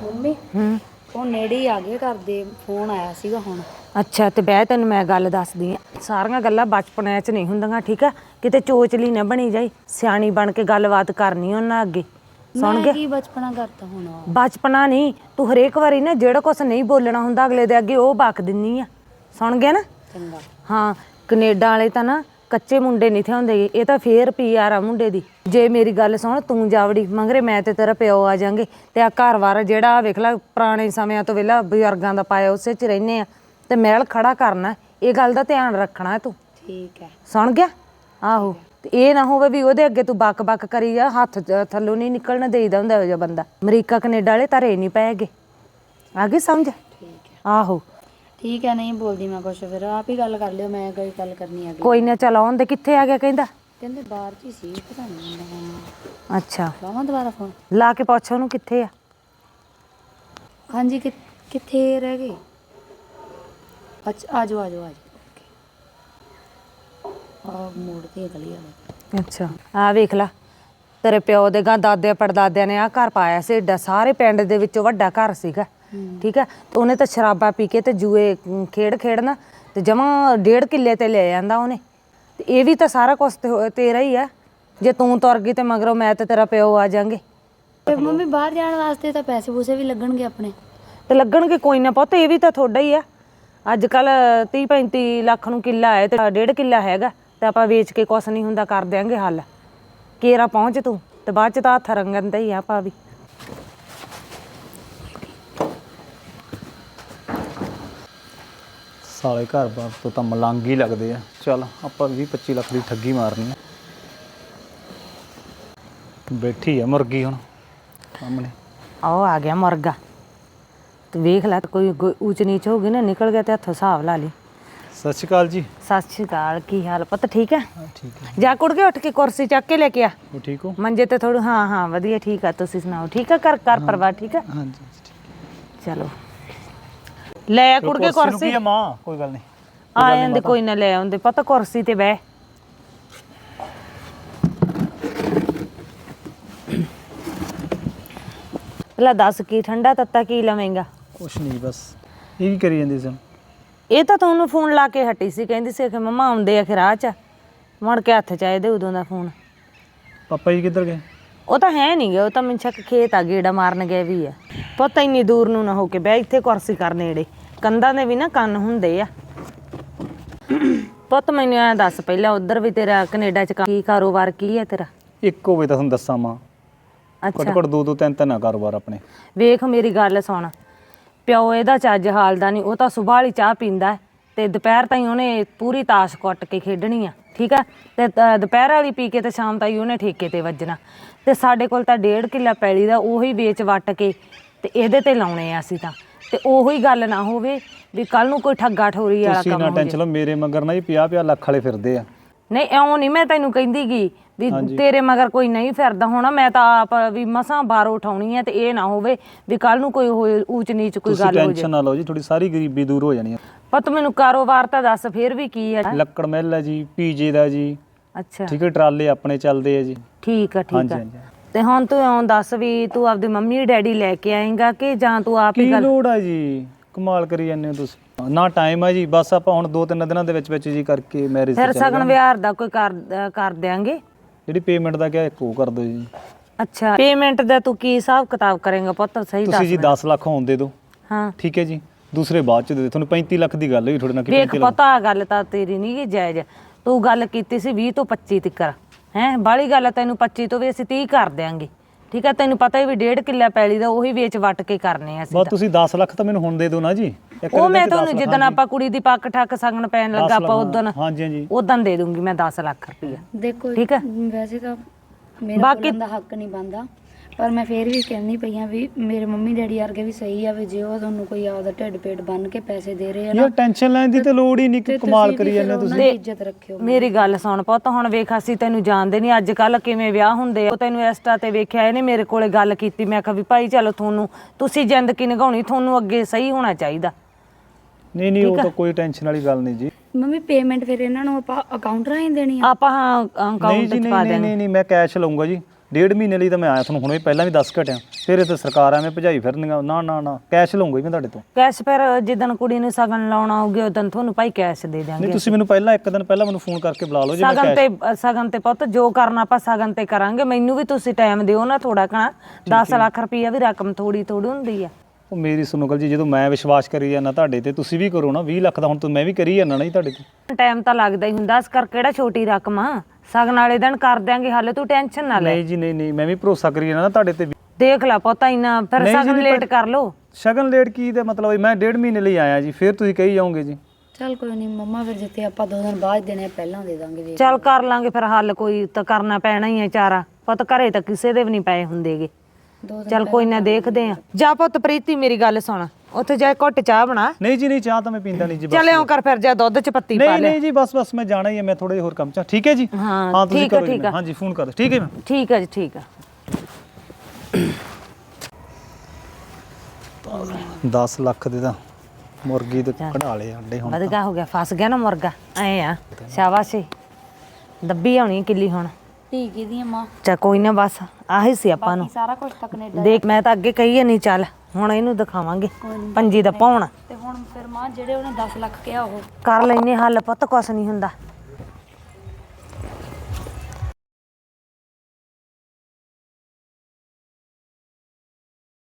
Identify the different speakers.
Speaker 1: Mummy ਉਹ ਨੇੜੇ ਹੀ ਆ ਗਏ ਘਰ ਦੇ, ਫੋਨ ਆਇਆ ਸੀਗਾ ਹੁਣ।
Speaker 2: ਅੱਛਾ ਤੇ ਬਹਿ, ਤੈਨੂੰ ਮੈਂ ਗੱਲ ਦੱਸਦੀ ਆ। ਸਾਰੀਆਂ ਗੱਲਾਂ ਬਚਪਨ 'ਚ ਨਹੀਂ ਹੁੰਦੀਆਂ, ਠੀਕ ਆ? ਕਿਤੇ ਚੋਚਲੀ ਨਾ ਬਣੀ ਜਾਈ, ਸਿਆਣੀ ਬਣ ਕੇ ਗੱਲਬਾਤ ਕਰਨੀ ਉਹਨਾਂ ਅੱਗੇ। ਸੁਣ ਗਿਆ?
Speaker 1: ਕੀ ਬਚਪਨਾ ਕਰਤਾ ਹੁਣ?
Speaker 2: ਬਚਪਨਾ ਨਹੀਂ, ਤੂੰ ਹਰੇਕ ਵਾਰੀ ਨਾ ਜਿਹੜਾ ਕੁਛ ਨਹੀਂ ਬੋਲਣਾ ਹੁੰਦਾ ਅਗਲੇ ਦੇ ਅੱਗੇ ਉਹ ਬਕ ਦਿੰਨੀ ਆ। ਸੁਣ ਗਿਆ ਨਾ?
Speaker 1: ਚੰਗਾ।
Speaker 2: ਹਾਂ, ਕੈਨੇਡਾ ਵਾਲੇ ਤਾਂ ਨਾ ਕੱਚੇ ਮੁੰਡੇ ਨਹੀਂ ਥੇ ਹੁੰਦੇ, ਇਹ ਤਾਂ ਫੇਰ PR ਆ ਮੁੰਡੇ ਦੀ। ਜੇ ਮੇਰੀ ਗੱਲ ਸੁਣ, ਤੂੰ ਜਾਵੜੀ ਮਗਰੇ ਮੈਂ ਤੇ ਤੇਰਾ ਪਿਓ ਆ ਜਾਾਂਗੇ ਤੇ ਆ ਘਰ ਵਾਰ ਜਿਹੜਾ ਵੇਖ ਲੈ ਪੁਰਾਣੇ ਸਮਿਆਂ ਤੋਂ ਵੇਲਾ ਬਜ਼ੁਰਗਾਂ ਦਾ ਪਾਇਆ ਉਸੇ 'ਚ ਰਹਿੰਦੇ ਆ ਤੇ ਮਹਿਲ ਖੜਾ ਕਰਨਾ। ਇਹ ਗੱਲ ਦਾ ਧਿਆਨ ਰੱਖਣਾ ਤੂੰ।
Speaker 1: ਠੀਕ ਹੈ।
Speaker 2: ਸੁਣ ਗਿਆ? ਆਹੋ, ਤੇ ਇਹ ਨਾ ਹੋਵੇ ਵੀ ਉਹਦੇ ਅੱਗੇ ਤੂੰ ਬਕ ਕਰੀ ਜਾ, ਹੱਥ ਥੱਲੋਂ ਨਹੀਂ ਨਿਕਲਣ ਦੇਈਦਾ ਹੁੰਦਾ ਇਹੋ ਜਿਹਾ ਬੰਦਾ। ਅਮਰੀਕਾ ਕੈਨੇਡਾ ਵਾਲੇ ਧਰੇ ਨਹੀਂ ਪੈਗੇ, ਆ ਗਈ ਸਮਝ?
Speaker 1: ਠੀਕ ਹੈ।
Speaker 2: ਆਹੋ
Speaker 1: ਠੀਕ ਹੈ, ਨਹੀਂ ਬੋਲਦੀ ਮੈਂ ਕੁਛ, ਫਿਰ ਆਪ ਹੀ ਗੱਲ ਕਰ ਲਿਓ, ਮੈਂ ਕੋਈ ਗੱਲ ਕਰਨੀ ਆ।
Speaker 2: ਕੋਈ ਨਾ, ਚੱਲ ਆਉਣ ਦੇ। ਕਿੱਥੇ ਆ ਗਿਆ ਕਹਿੰਦਾ?
Speaker 1: ਕਹਿੰਦੇ ਬਾਹਰ 'ਚ ਹੀ ਸੀ, ਪਤਾ ਨਹੀਂ।
Speaker 2: ਅੱਛਾ,
Speaker 1: ਲਾਵਾਂ ਦੁਬਾਰਾ ਫੋਨ?
Speaker 2: ਲਾ ਕੇ ਪੁੱਛ ਉਹਨੂੰ ਕਿੱਥੇ ਆ।
Speaker 1: ਹਾਂਜੀ, ਕਿੱਥੇ ਰਹਿ ਗਏ? ਅੱਛਾ, ਆ ਜਾਓ ਆ ਮੋੜ ਤੇ ਗਲੀ ਵਾਲੇ।
Speaker 2: ਅੱਛਾ, ਆ ਵੇਖ ਲਾ, ਤੇਰੇ ਪਿਓ ਦੇ ਗਾਂ ਦਾਦੇ ਪੜਦਾਦਿਆਂ ਨੇ ਆ ਘਰ ਪਾਇਆ ਸੀ ਏਡਾ, ਸਾਰੇ ਪਿੰਡ ਦੇ ਵਿੱਚੋਂ ਵੱਡਾ ਘਰ ਸੀਗਾ, ਠੀਕ ਹੈ? ਉਹਨੇ ਤਾਂ ਸ਼ਰਾਬਾਂ ਪੀ ਕੇ ਤੇ ਜੂਏ ਖੇਡਣਾ ਤੇ ਜਮਾਂ 1.5 ਕਿੱਲੇ ਤੇ ਲੈ ਜਾਂਦਾ ਉਹਨੇ। ਤੇ ਇਹ ਵੀ ਤਾਂ ਸਾਰਾ ਕੁਛ ਤੇਰਾ ਹੀ ਆ। ਜੇ ਤੂੰ ਤੁਰ ਗਈ ਤੇ ਮਗਰੋਂ ਮੈਂ ਤੇ ਤੇਰਾ ਪਿਓ ਆ ਜਾਾਂਗੇ।
Speaker 1: ਤੇ ਮੰਮੀ ਬਾਹਰ ਜਾਣ ਵਾਸਤੇ ਤਾਂ ਪੈਸੇ ਪੂਸੇ ਵੀ ਲੱਗਣਗੇ ਆਪਣੇ।
Speaker 2: ਤੇ ਲੱਗਣਗੇ, ਕੋਈ ਨਾ ਪੁੱਤ, ਇਹ ਵੀ ਤਾਂ ਤੁਹਾਡਾ ਹੀ ਆ। ਅੱਜ ਕੱਲ 30-35 ਲੱਖ ਨੂੰ ਕਿੱਲਾ ਹੈ ਤੇ 1.5 ਕਿੱਲਾ ਹੈਗਾ, ਤੇ ਆਪਾਂ ਵੇਚ ਕੇ ਕੁਛ ਨਹੀਂ ਹੁੰਦਾ, ਕਰ ਦਿਆਂਗੇ ਹੱਲ। ਕੇਰਾ ਪਹੁੰਚ ਤੂੰ, ਤੇ ਬਾਅਦ ਚ ਤਾਂ ਹੱਥ ਰੰਗਣ ਦਾ ਹੀ ਆ ਆਪਾਂ ਵੀ।
Speaker 3: ਸਾਲੇ ਘਰ ਬਾਰ ਤੋਂ ਤਾਂ ਮਲੰਗ ਹੀ ਲੱਗਦੇ ਆ। ਚੱਲ ਆਪਾਂ 20-25 ਲੱਖ ਦੀ ਠੱਗੀ ਮਾਰਨੀ ਆ। ਬੈਠੀ ਆ ਮੁਰਗੀ ਹੁਣ ਸਾਹਮਣੇ।
Speaker 2: ਆਹ ਆ ਗਿਆ ਮੁਰਗਾ। ਤੇ ਵੇਖ ਲੈ, ਕੋਈ ਊਚ ਨੀਚ ਹੋ ਗਈ ਨਾ, ਨਿਕਲ ਗਿਆ ਤੇ ਹੱਥੋਂ ਹਿਸਾਬ ਲਾ ਲਈ।
Speaker 3: ਸਤਿ ਸ਼੍ਰੀ ਅਕਾਲ ਜੀ।
Speaker 2: ਸਤਿ ਸ਼੍ਰੀ ਅਕਾਲ, ਕੀ ਹਾਲ ਪੁੱਤ? ਠੀਕ ਹੈ?
Speaker 3: ਠੀਕ ਹੈ।
Speaker 2: ਜਾ ਕੁੜ ਕੇ ਉੱਠ ਕੇ ਕੁਰਸੀ ਚੱਕ ਕੇ ਲੈ ਕੇ ਆ
Speaker 3: ਉਹ ਠੀਕ ਹੋ?
Speaker 2: ਮੰਜੇ ਤੇ ਥੋੜ੍ਹਾ। ਹਾਂ ਵਧੀਆ, ਠੀਕ ਆ। ਤੁਸੀਂ ਸੁਣਾਓ, ਠੀਕ ਆ? ਘਰ ਪਰਿਵਾਰ ਠੀਕ ਆ?
Speaker 3: ਹਾਂਜੀ
Speaker 2: ਚਲੋ ਲੈ ਕੁੜ ਕੇ ਕੁਰਸੀ।
Speaker 3: ਕੀ ਆ ਮਾਂ? ਕੋਈ ਗੱਲ ਨਹੀਂ,
Speaker 2: ਆ ਜਾਂਦੇ, ਕੋਈ ਨਾ, ਲੈ ਆਉਂਦੇ ਪਤਾ। ਕੁਰਸੀ ਤੇ ਬਹਿ। ਲੈ ਦੱਸ, ਕੀ ਠੰਡਾ ਤੱਤਾ ਕੀ ਲਵੇਂਗਾ?
Speaker 3: ਕੁਛ ਨਹੀਂ, ਬਸ ਇਹ ਕੀ ਕਰੀ ਜਾਂਦੀ ਸੀ?
Speaker 2: ਇਹ ਤਾਂ ਤੁਹਾਨੂੰ ਫੋਨ ਲਾ ਕੇ ਹਟੀ ਸੀ, ਕਹਿੰਦੀ ਸੀ ਕਿ ਮੰਮਾ ਆਉਂਦੇ ਆ ਰਾਹ 'ਚ। ਮੁੜ ਕੇ ਹੱਥ 'ਚ ਆਏ ਦੇ ਉਦੋਂ ਦਾ ਫੋਨ।
Speaker 3: ਪਾਪਾ ਜੀ ਕਿੱਧਰ ਗਏ?
Speaker 2: ਉਹ ਤਾਂ ਹੈ ਨਹੀਂ ਗੇ, ਉਹ ਤਾਂ ਮੈਨੂੰ ਸ਼ੱਕ ਖੇਤ ਆ, ਗੇੜਾ ਮਾਰਨ ਗਏ ਵੀ ਆ। ਪੁੱਤ ਇੰਨੀ ਦੂਰ ਨੂੰ ਨਾ ਹੋ ਕੇ ਬਹਿ, ਇੱਥੇ ਕੁਰਸੀ ਕਰ ਨੇੜੇ। ਕੰਧਾਂ ਦੇ ਵੀ ਨਾ ਕੰਨ ਹੁੰਦੇ ਆ। ਪੁੱਤ ਮੈਨੂੰ ਐਂ ਦੱਸ ਪਹਿਲਾਂ, ਉੱਧਰ ਵੀ ਤੇਰਾ ਕੈਨੇਡਾ 'ਚ ਕੀ ਕਾਰੋਬਾਰ ਕੀ ਹੈ ਤੇਰਾ?
Speaker 3: ਇੱਕ ਹੋਵੇ ਤਾਂ ਤੁਹਾਨੂੰ ਦੱਸਾਂ ਮਾਂ।
Speaker 2: ਅੱਛਾ,
Speaker 3: ਘੱਟ 2-3 ਕਾਰੋਬਾਰ ਆਪਣੇ।
Speaker 2: ਵੇਖ ਮੇਰੀ ਗੱਲ ਸੁਣ, ਪਿਓ ਇਹਦਾ ਚੱਜ ਹਾਲ ਦਾ ਨਹੀਂ। ਉਹ ਤਾਂ ਸੁਬਾਹ ਵਾਲੀ ਚਾਹ ਪੀਂਦਾ ਤੇ ਦੁਪਹਿਰ ਤਾਈਂ ਉਹਨੇ ਪੂਰੀ ਤਾਸ਼ ਕੁੱਟ ਕੇ ਖੇਡਣੀ ਆ, ਠੀਕ ਆ? ਤੇ ਦੁਪਹਿਰ ਵਾਲੀ ਪੀ ਕੇ ਤੇ ਸ਼ਾਮ ਤਾਈਂ ਉਹਨੇ ਠੇਕੇ ਤੇ ਵੱਜਣਾ। ਤੇ ਸਾਡੇ ਕੋਲ ਤਾਂ 1.5 ਕਿੱਲਾ ਪੈਲੀ ਦਾ, ਉਹੀ ਵੇਚ ਵੱਟ ਕੇ ਤੇ ਇਹਦੇ ਤੇ ਲਾਉਣੇ ਆ ਅਸੀਂ ਤਾਂ। ਤੇ ਉਹੀ ਗੱਲ ਨਾ ਹੋਵੇ ਵੀ ਕੱਲ ਨੂੰ ਕੋਈ ਠੱਗਾ ਠੋਰੀ ਵਾਲਾ
Speaker 3: ਤੁਸੀਂ
Speaker 2: ਕੰਮ
Speaker 3: ਨਾ
Speaker 2: ਹੋ
Speaker 3: ਟੈਨਸ਼ਨ ਲਓ, ਮੇਰੇ ਮਗਰ ਨਾ ਜੀ 50-50 ਲੱਖ ਵਾਲੇ ਫਿਰਦੇ ਆ।
Speaker 2: ਨਹੀਂ, ਇਉਂ ਨਹੀਂ ਮੈਂ ਤੈਨੂੰ ਕਹਿੰਦੀ ਗੀ ਵੀ ਤੇਰੇ ਮਗਰ ਕੋਈ ਨਹੀਂ ਫਿਰਦਾ ਹੋਣਾ। ਮੈਂ ਤਾਂ ਆਪ ਵੀ ਮਸਾਂ ਬਾਹਰੋਂ ਉਠਾਉਣੀ ਹੈ, ਤੇ ਇਹ ਨਾ ਹੋਵੇ ਵੀ ਕੱਲ ਨੂੰ ਕੋਈ ਊਚ ਨੀਚ ਕੋਈ ਗੱਲ ਹੋ ਜਾਏ।
Speaker 3: ਟੈਨਸ਼ਨ ਨਾ ਲਓ ਜੀ, ਤੁਹਾਡੀ ਸਾਰੀ ਗਰੀਬੀ ਦੂਰ ਹੋ ਜਾਣੀ ਹੈ।
Speaker 2: ਪਰ ਤੂੰ ਮੈਨੂੰ ਕਾਰੋਬਾਰ ਤਾਂ ਦੱਸ ਫਿਰ ਵੀ ਕੀ ਹੈ?
Speaker 3: ਲੱਕੜ ਮਿੱਲ ਹੈ ਜੀ, ਪੀਜੇ ਦਾ ਜੀ,
Speaker 2: ਅੱਛਾ
Speaker 3: ਠੀਕ ਹੈ, ਟਰਾਲੇ ਆਪਣੇ ਚੱਲਦੇ ਆ ਜੀ।
Speaker 2: ਠੀਕ ਆ, ਠੀਕ
Speaker 3: ਹਾਂਜੀ
Speaker 2: ਆ।
Speaker 3: ਹਾਂਜੀ।
Speaker 2: ਤੇ ਹੁਣ ਤੂੰ ਇਉਂ ਦੱਸ ਵੀ ਤੂੰ ਆਪਦੀ ਮੰਮੀ ਡੈਡੀ ਲੈ ਕੇ ਆਏਂਗਾ ਕਿ ਜਾਂ ਤੂੰ ਆਪ ਹੀ
Speaker 3: ਕੀ
Speaker 2: ਗੱਲ?
Speaker 3: ਲੋੜ ਆ ਜੀ, ਕਮਾਲ ਕਰੀ ਜਾਂਦੇ ਹੋ ਤੁਸੀਂ। ਨਾ ਟਾਈਮ ਆ ਜੀ, ਬਸ ਆਪਾਂ ਹੁਣ 2-3 ਦਿਨਾਂ ਦੇ ਵਿੱਚ ਜੀ ਕਰਕੇ ਮੈਰਿਜ
Speaker 2: ਫਿਰ ਸਗਨ ਵਿਹਾਰ ਦਾ ਕੋਈ ਕਰ ਦਿਆਂਗੇ।
Speaker 3: ਜਿਹੜੀ ਪੇਮੈਂਟ ਦਾ ਕਿਹਾ ਇੱਕ ਉਹ ਕਰ ਦਿਓ ਜੀ।
Speaker 2: ਅੱਛਾ, ਪੇਮੈਂਟ ਦਾ ਤੂੰ ਕੀ ਹਿਸਾਬ ਕਿਤਾਬ ਕਰੇਂਗਾ ਪੁੱਤ? ਸਹੀ ਦੱਸ।
Speaker 3: ਤੁਸੀਂ ਜੀ 10 ਲੱਖ ਹੋਣ ਦੇ ਦਿਓ,
Speaker 2: ਹਾਂ
Speaker 3: ਠੀਕ ਹੈ ਜੀ। ਦੂਸਰੇ ਬਾਅਦ ਚ ਦੇ ਦਿਓ। ਤੁਹਾਨੂੰ 35 ਲੱਖ ਦੀ ਗੱਲ ਹੋਈ ਤੁਹਾਡੇ ਨਾਲ ਕਿ
Speaker 2: ਵੇਖ ਪਤਾ, ਗੱਲ ਤਾਂ ਤੇਰੀ ਨਹੀਂ ਗੀ ਜਾਇਜ਼। ਤੂੰ ਗੱਲ ਕੀਤੀ ਸੀ 20 ਤੋਂ 25 ਤੱਕ, ਹੈ ਬਾਹਲੀ ਗੱਲ ਆ। ਤੈਨੂੰ 25 ਤੋਂ ਵੀ ਅਸੀਂ 30 ਕਰ ਦਿਆਂਗੇ, ਠੀਕ ਹੈ? ਤੈਨੂੰ ਪਤਾ ਹੀ ਵੀ 1.5 ਕਿੱਲਾ ਪੈਲੀ ਦਾ ਉਹੀ ਵੇਚ ਵੱਟ ਕੇ ਕਰਨੇ ਆ ਅਸੀਂ।
Speaker 3: ਬਸ ਤੁਸੀਂ 10 ਲੱਖ ਤਾਂ ਮੈਨੂੰ ਹੁਣ ਦੇ ਦਿਓ ਨਾ ਜੀ।
Speaker 2: ਉਹ ਮੈਂ ਤੁਹਾਨੂੰ ਜਿੱਦਣ ਆਪਾਂ ਕੁੜੀ ਦੀ ਪੱਕ ਠੱਕ ਸਗਨ ਪੈਣ ਲੱਗਾ ਆਪਾਂ ਉਦੋਂ,
Speaker 3: ਹਾਂਜੀ ਹਾਂਜੀ,
Speaker 2: ਉਦੋਂ ਦੇ ਦੂੰਗੀ ਮੈਂ 10 ਲੱਖ ਰੁਪਈਆ।
Speaker 1: ਦੇਖੋ
Speaker 2: ਠੀਕ ਹੈ,
Speaker 1: ਵੈਸੇ ਤਾਂ ਮੇਰਾ ਬੋਲਣ ਦਾ ਹੱਕ ਨਹੀਂ ਬਣਦਾ, ਪਰ ਮੈਂ ਫੇਰ ਵੀ ਕਹਿੰਦੀ ਪਈ ਆ ਵੀ ਮੇਰੇ ਮੰਮੀ ਡੈਡੀ ਵਰਗੇ ਵੀ ਸਹੀ ਆ। ਵੀ ਜੇ ਉਹ ਤੁਹਾਨੂੰ ਕੋਈ ਆਪਦਾ ਢਿੱਡ ਪੇਟ ਬੰਨ ਕੇ ਪੈਸੇ ਦੇ ਰਹੇ ਆ ਨਾ,
Speaker 3: ਯਾਰ ਟੈਨਸ਼ਨ ਲੈਣ ਦੀ ਤੇ ਲੋੜ ਹੀ ਨਹੀਂ। ਕਮਾਲ ਕਰੀ ਜਾਂਦੇ ਤੁਸੀਂ।
Speaker 1: ਇੱਜ਼ਤ ਰੱਖਿਓ।
Speaker 2: ਮੇਰੀ ਗੱਲ ਸੁਣ ਪੁੱਤ, ਹੁਣ ਵੇਖ ਅਸੀਂ ਤੈਨੂੰ ਜਾਣਦੇ ਨਹੀਂ, ਅੱਜ ਕੱਲ ਕਿਵੇਂ ਵਿਆਹ ਹੁੰਦੇ ਆ। ਤੈਨੂੰ ਇੰਸਟਾ ਤੇ ਵੇਖਿਆ, ਇਹਨੇ ਮੇਰੇ ਕੋਲੇ ਗੱਲ ਕੀਤੀ। ਮੈਂ ਕਿਹਾ ਵੀ ਭਾਈ ਚਲੋ ਤੁਸੀਂ ਜ਼ਿੰਦਗੀ ਨਿਭਾਉਣੀ, ਤੁਹਾਨੂੰ ਅੱਗੇ ਸਹੀ ਹੋਣਾ ਚਾਹੀਦਾ।
Speaker 3: ਨਹੀਂ ਉਹ ਤਾਂ ਕੋਈ ਟੈਨਸ਼ਨ ਵਾਲੀ ਗੱਲ ਨਹੀਂ ਜੀ।
Speaker 1: ਮੰਮੀ ਪੇਮੈਂਟ ਫਿਰ ਇਹਨਾਂ ਨੂੰ ਆਪਾਂ ਅਕਾਊਂਟ ਰਾਹੀਂ ਦੇਣੀ ਆ?
Speaker 2: ਆਪਾਂ ਹਾਂ ਅਕਾਊਂਟ 'ਚ ਪਾ ਦੇਣੀ।
Speaker 3: ਨਹੀਂ ਮੈਂ ਕੈਸ਼ ਲਊਂਗਾ ਜੀ। 1.5 ਮਹੀਨੇ ਲਈ ਤਾਂ ਮੈਂ ਆਇਆ ਤੁਹਾਨੂੰ ਹੁਣੇ ਪਹਿਲਾਂ ਵੀ ਦੱਸ ਘਟਿਆ, ਫਿਰ ਇਹ ਤਾਂ ਸਰਕਾਰ ਐਵੇਂ ਭਜਾਈ ਫਿਰਨੀਆਂ। ਨਾ ਨਾ ਨਾ, ਕੈਸ਼ ਲਊਂਗਾ ਜੀ ਮੈਂ ਤੁਹਾਡੇ ਤੋਂ।
Speaker 2: ਕੈਸ਼ ਫਿਰ ਜਿੱਦਣ ਕੁੜੀ ਨੂੰ ਸਗਨ ਲਾਉਣਾ ਹੋਊਗਾ ਉਦੋਂ ਤੁਹਾਨੂੰ ਭਾਈ ਕੈਸ਼ ਦੇ ਦਿਆਂਗੇ।
Speaker 3: ਨਹੀਂ ਤੁਸੀਂ ਮੈਨੂੰ ਪਹਿਲਾਂ ਇੱਕ ਦਿਨ ਪਹਿਲਾਂ ਮੈਨੂੰ ਫੋਨ ਕਰਕੇ ਬੁਲਾ ਲਓ ਜੇ ਮੈਂ
Speaker 2: ਸਗਨ ਤੇ ਪੁੱਤ ਜੋ ਕਰਨਾ ਆਪਾਂ ਸਗਨ ਤੇ ਕਰਾਂਗੇ। ਮੈਨੂੰ ਵੀ ਤੁਸੀਂ ਟਾਈਮ ਦਿਓ ਨਾ ਥੋੜਾ ਘਣਾ। 10 ਲੱਖ ਰੁਪਈਆ ਵੀ ਰਕਮ ਥੋੜੀ ਹੁੰਦੀ ਆ।
Speaker 3: ਉਹ ਮੇਰੀ ਸੁਣੋ ਗੱਲ ਜੀ, ਜਦੋਂ ਮੈਂ ਵਿਸ਼ਵਾਸ ਕਰੀ ਜਾਂਦਾ ਤੁਹਾਡੇ ਤੇ, ਤੁਸੀਂ ਵੀ ਕਰੋ ਨਾ। 20 ਲੱਖ ਦਾ ਹੁਣ ਤਾਂ ਮੈਂ ਵੀ ਕਰੀ ਜਾਂਦਾ ਨਾ ਜੀ ਤੁਹਾਡੇ ਤੇ।
Speaker 2: ਟਾਈਮ ਤਾਂ ਲੱਗਦਾ ਹੀ ਹੁੰਦਾ, ਇਸ ਕਰ ਕਿਹੜਾ ਛੋਟੀ ਰਕਮ ਆ। ਸਗਨ ਵਾਲੇ ਦਿਨ ਕਰ ਦਿਆਂਗੇ, ਹਾਲੇ ਤੂੰ ਟੈਨਸ਼ਨ ਨਾ ਲੈ।
Speaker 3: ਨਹੀਂ ਜੀ ਨਹੀਂ ਨਹੀਂ, ਮੈਂ ਵੀ ਭਰੋਸਾ ਕਰੀ ਜਾਂਦਾ ਨਾ ਤੁਹਾਡੇ ਤੇ।
Speaker 2: ਦੇਖ ਲੈ ਪੁੱਤ ਇੰਨਾ ਫਿਰ ਸਗਨ ਲੇਟ ਕਰ ਲੋ।
Speaker 3: ਸ਼ਗਨ ਲੇਟ ਕੀ ਦੇ ਮਤਲਬ, ਮੈਂ 1.5 ਮਹੀਨੇ ਲਈ ਆਇਆ ਜੀ, ਫਿਰ ਤੁਸੀਂ ਕਹੀ ਜਾਓਗੇ ਜੀ।
Speaker 1: ਚੱਲ ਕੋਈ ਨਹੀਂ ਮੰਮਾ, ਫਿਰ ਜਿੱਤੇ ਆਪਾਂ 2 ਦਿਨ ਬਾਅਦ ਦੇਣੇ ਪਹਿਲਾਂ ਦੇ ਦਾਂਗੇ। ਵੇਖ
Speaker 2: ਚੱਲ ਕਰ ਲਾਂਗੇ ਫਿਰ ਹੱਲ, ਕੋਈ ਤਾਂ ਕਰਨਾ ਪੈਣਾ ਹੀ ਹੈ ਚਾਰਾ। ਪੁੱਤ ਘਰੇ ਤਾਂ ਕਿਸੇ ਦੇ ਵੀ ਨਹੀਂ ਪਏ ਹੁੰਦੇਗੇ।
Speaker 1: 2 ਦਿਨ
Speaker 2: ਚੱਲ ਕੋਈ ਨਾ ਦੇਖਦੇ ਆ। ਜਾ ਪੁੱਤ ਪ੍ਰੀਤੀ ਮੇਰੀ ਗੱਲ ਸੁਣ, ਉੱਥੇ ਜਾ ਘੁੱਟ ਚਾਹ ਬਣਾ।
Speaker 3: ਨਹੀਂ ਜੀ ਨਹੀਂ, ਚਾਹ ਤਾਂ ਮੈਂ ਪੀਂਦਾ ਨਹੀਂ ਜੀ।
Speaker 2: ਚੱਲ ਇਉਂ ਕਰ ਫਿਰ, ਜਾ ਦੁੱਧ ਚ ਪੱਤੀ ਪਾ
Speaker 3: ਨਹੀਂ
Speaker 2: ਲੈ।
Speaker 3: ਨਹੀਂ ਜੀ, ਬਸ ਮੈਂ ਜਾਣਾ ਹੀ ਹੈ, ਮੈਂ ਥੋੜੇ ਹੋਰ ਕੰਮ ਚ। ਠੀਕ ਹੈ ਜੀ,
Speaker 2: ਹਾਂ
Speaker 3: ਤੁਸੀਂ
Speaker 2: ਠੀਕ ਆ
Speaker 3: ਕਰੋ ਜੀ। ਹਾਂਜੀ ਫੋਨ ਕਰ। ਠੀਕ ਹੈ ਮੈਂ।
Speaker 2: ਠੀਕ ਆ ਜੀ, ਠੀਕ ਆ।
Speaker 3: 10 ਲੱਖ ਦੇ ਤਾਂ ਮੁਰਗੀ ਤੇ ਕਢਾ ਲਏ ਆਂਡੇ ਹੁਣ।
Speaker 2: ਵਧੀਆ ਹੋ ਗਿਆ, ਫਸ ਗਿਆ ਨਾ ਮੁਰਗਾ। ਐ ਆ ਸ਼ਾਬਾਸ਼, ਦੱਬੀ ਆਉਣੀ ਕਿੱਲੀ ਹੁਣ।
Speaker 1: ਠੀਕ ਹੀ ਦੀ ਮਾਂ,
Speaker 2: ਚਾ ਕੋਈ ਨਾ, ਬਸ ਆਹੀ ਸੀ ਆਪਾਂ ਨੂੰ।
Speaker 1: ਸਾਰਾ ਕੁਝ ਤਾਂ ਕੈਨੇਡਾ
Speaker 2: ਦੇਖ ਮੈਂ ਤਾਂ ਅੱਗੇ ਕਹੀ ਨਹੀਂ, ਚੱਲ ਹੁਣ ਇਹਨੂੰ ਦਿਖਾਵਾਂਗੇ ਪੰਜੀ ਦਾ ਪਾਉਣ।
Speaker 1: ਤੇ ਹੁਣ ਫਿਰ ਮਾਂ ਜਿਹੜੇ ਉਹਨੇ 10 ਲੱਖ ਕਿਹਾ ਉਹ
Speaker 2: ਕਰ ਲੈਨੇ ਹੱਲ ਪੁੱਤ, ਕੁਛ ਨਹੀਂ ਹੁੰਦਾ।